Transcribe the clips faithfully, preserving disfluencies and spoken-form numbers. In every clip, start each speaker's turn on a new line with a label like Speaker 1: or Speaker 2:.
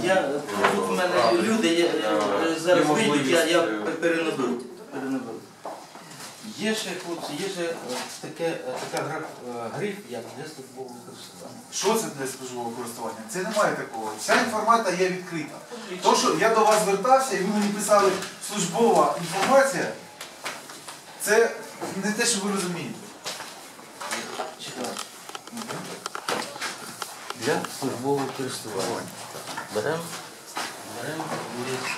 Speaker 1: Я, тут у мене люди, я, зараз вийдуть, я, я перенаберу. перенаберу. Є ще, хлопці, є ще таке, така гра, гриф, як для службового користування.
Speaker 2: Що це для службового користування? Це немає такого. Вся інформація є відкрита. То, що я до вас звертався і ви мені писали службова інформація, це не те, що ви розумієте.
Speaker 1: Читаю. Для службового користування. Беремо, беремо лист.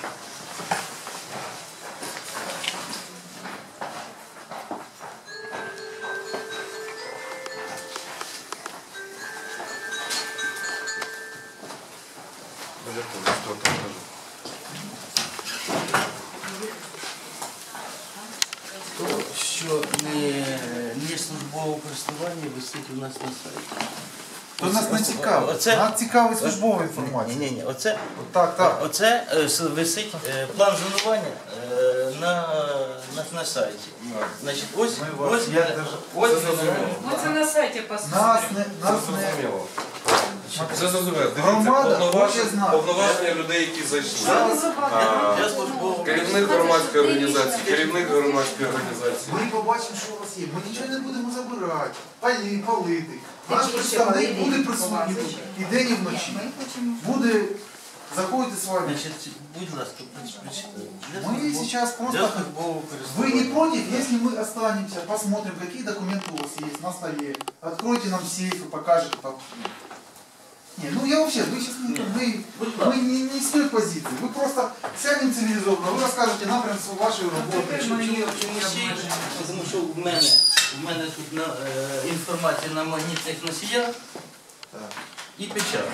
Speaker 1: То, що не, не службове користування, висить у нас на сайті.
Speaker 2: То нас не цікаво.
Speaker 1: Оце-
Speaker 2: Нас цікавить службова інформація.
Speaker 1: Ні, ні, ні, оце,
Speaker 2: Так, так.
Speaker 1: оце е, с- висить е, план зонування е, на, на, на сайті. Значить, ось,
Speaker 2: Ми вас-
Speaker 1: ось,
Speaker 2: я
Speaker 1: ось,
Speaker 2: даже-
Speaker 1: ось
Speaker 3: Це
Speaker 1: воно.
Speaker 3: зрозуміло.
Speaker 4: Ну це на сайті посмотрим.
Speaker 2: Нас не, нас не...
Speaker 3: Зрозуміло. Це зрозуміло. Дивіться,
Speaker 2: Громада
Speaker 3: повноваження,
Speaker 2: хоче знати.
Speaker 3: повноваження людей, які зайшли.
Speaker 4: Що ви забагато?
Speaker 1: Для службового
Speaker 3: Керівник громадської організації, керівник громадської організації.
Speaker 2: Ми побачимо, що у вас є. Ми нічого не будемо забирати, палі, палити. Наш
Speaker 4: Такі
Speaker 2: представник
Speaker 4: ще
Speaker 2: буде
Speaker 4: палити,
Speaker 2: присутній
Speaker 4: поважно.
Speaker 2: тут. І день, і вночі.
Speaker 4: Ми хочемо.
Speaker 2: Буде заходити з вами.
Speaker 1: Значить, будь ласка, прочитайте. Для
Speaker 2: Мы
Speaker 1: службового-
Speaker 2: сейчас
Speaker 1: Для
Speaker 2: просто...
Speaker 1: службового
Speaker 2: Вы
Speaker 1: користування.
Speaker 2: не против, если мы останемся, посмотрим, какие документы у вас есть на столе, откройте нам сейф и покажете там. Не, ну я вообще, вы сейчас не, вы, вы не, не с той позиции, вы просто сядем цивилизованно, вы расскажете напрям вашей работы.
Speaker 1: Чому всі? Тому що в мене, в мене тут на, е, інформація на магнітних носіях
Speaker 2: Так.
Speaker 1: і печать.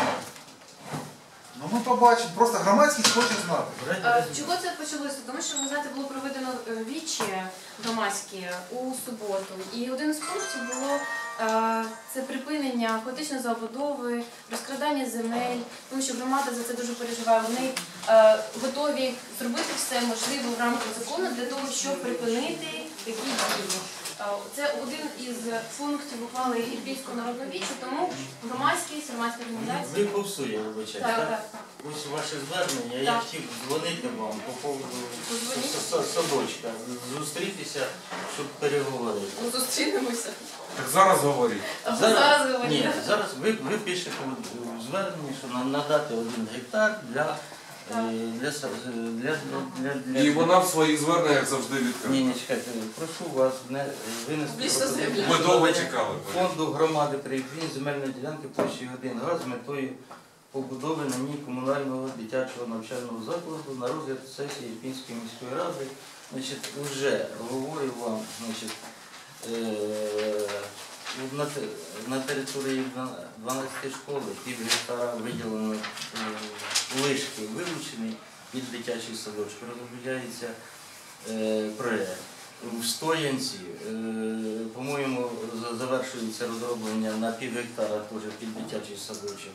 Speaker 2: Ну ми побачимо, просто громадськість хоче знати.
Speaker 5: Е, Чого це почалося? Тому що, ви знаєте, було проведено е, вічі громадські у суботу. І один з пунктів було е, це припинення хаотичної забудови, розкрадання земель, тому що громада за це дуже переживає. Вони е, готові зробити все можливе в рамках закону для того, щоб припинити такі дії. Е, Це один із пунктів ухвали Ірпінського народного вічу, тому громадськість, громадські
Speaker 1: Ви
Speaker 5: організації.
Speaker 1: повсує, вибачайте,
Speaker 5: Так,
Speaker 1: так?
Speaker 5: так, так.
Speaker 1: Ось ваше звернення, я
Speaker 5: Так.
Speaker 1: хотів дзвонити вам по поводу
Speaker 5: Подзвоніть.
Speaker 1: с- с- садочка, зустрітися, щоб переговорити.
Speaker 5: Ну, зустрінемося.
Speaker 3: Так зараз говоріть.
Speaker 5: Або зараз говорити.
Speaker 1: Ні, зараз ви, ви пишете в зверненні, що нам надати один гектар для, е, для, са- для, для, для,
Speaker 3: І вона в своїх зверненнях завжди
Speaker 1: Ні,
Speaker 3: відкрита.
Speaker 1: ні, чекайте, прошу вас не винести
Speaker 5: Публічно
Speaker 1: пропозицію
Speaker 5: заявляю.
Speaker 3: Ми довго
Speaker 1: щодо
Speaker 3: чекали.
Speaker 1: фонду громади при Ірпіні земельної ділянки площею один га з метою побудови на ній комунального дитячого навчального закладу на розгляд сесії Ірпінської міської ради. Значить, вже говорю вам, значить, е, на, те- на території дванадцятої школи пів гектара виділено е, лишки вилучені від дитячої садочки. Розробляється е, проєкт. В Стоянці, е, по-моєму, за- завершується розроблення на пів гектара теж під дитячий садочок.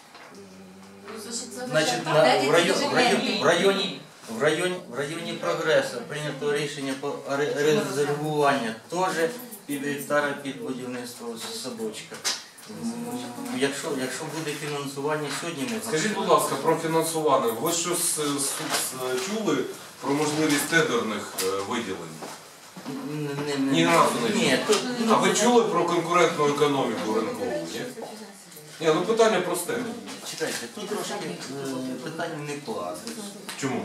Speaker 1: Е, Значить, на, в, районі, в, районі, в, районі, в, районі, в районі прогресу прийнято рішення по ре- резервування теж пів гектара під будівництво садочка. М, Якщо, якщо буде фінансування сьогодні, ми
Speaker 3: Скажіть, будь ласка, про фінансування. Ви щось е, с- с- чули про можливість тендерних е, виділень?
Speaker 1: не, не,
Speaker 3: Ні разу не
Speaker 1: ні, тут,
Speaker 3: А ви чули про конкурентну економіку ринкову? Ні? Ні, ну питання просте.
Speaker 1: чекайте, тут трошки е, питання не кладуть.
Speaker 3: Чому?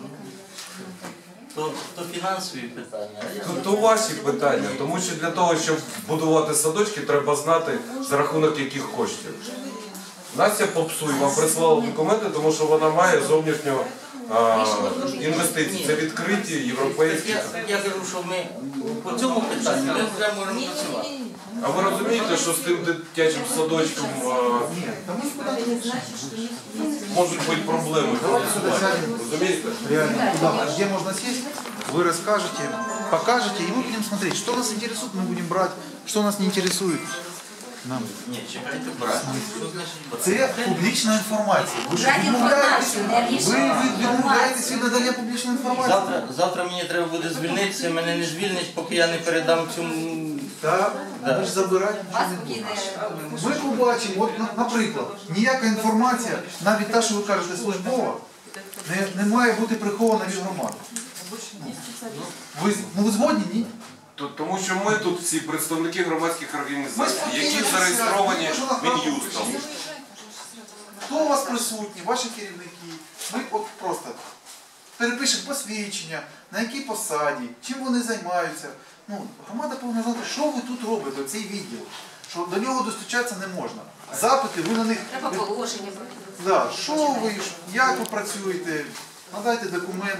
Speaker 1: То, то фінансові питання. а я-
Speaker 3: То, то ваші питання, тому що для того, щоб будувати садочки, треба знати, за рахунок яких коштів. Настя Попсуй вам прислала документи, тому що вона має зовнішню а, інвестиції. Це відкриті європейські.
Speaker 1: Я, я кажу, що ми по цьому питанню ми вже можемо працювати.
Speaker 3: А ви розумієте, що з тим дитячим садочком а,
Speaker 2: Ні, та ми куди
Speaker 3: можуть бути проблеми фінансування? Розумієте?
Speaker 2: реально куда, где можно сесть, вы расскажете, покажете, и мы будем смотреть, что нас интересует, мы будем брать, что нас не интересует. Нам.
Speaker 1: Ні, чекайте, брат. Що значить брат?
Speaker 2: Це публічна інформація. Ви ж
Speaker 4: Брати
Speaker 2: відмовляєтесь,
Speaker 4: інформацію, не
Speaker 2: ви
Speaker 4: рішення.
Speaker 2: відмовляєтесь від надання публічної інформації.
Speaker 1: Завтра, завтра мені треба буде звільнитися, мене не звільнять, поки я не передам цю
Speaker 2: Так, ви ж забирати нічого не будете. Ми побачимо, от, на- наприклад, ніяка інформація, навіть та, що ви кажете, службова, не, не має бути прихована від громади. Ви, з- ну ви згодні, ні?
Speaker 3: То- Тому що ми тут всі представники громадських
Speaker 2: Ми
Speaker 3: організацій,
Speaker 2: спокійно
Speaker 3: які
Speaker 2: всі
Speaker 3: зареєстровані
Speaker 2: разом. Ми ж на
Speaker 3: Мін'юстом.
Speaker 2: Хто у вас присутні, ваші керівники? Ми от просто перепишемо посвідчення, на якій посаді, чим вони займаються. Ну, громада повинна знати, що ви тут робите, цей відділ, що до нього достучатися не можна. Запити, ви на них...
Speaker 5: Треба положення.
Speaker 2: Да, що ви, як ви працюєте, надайте документи.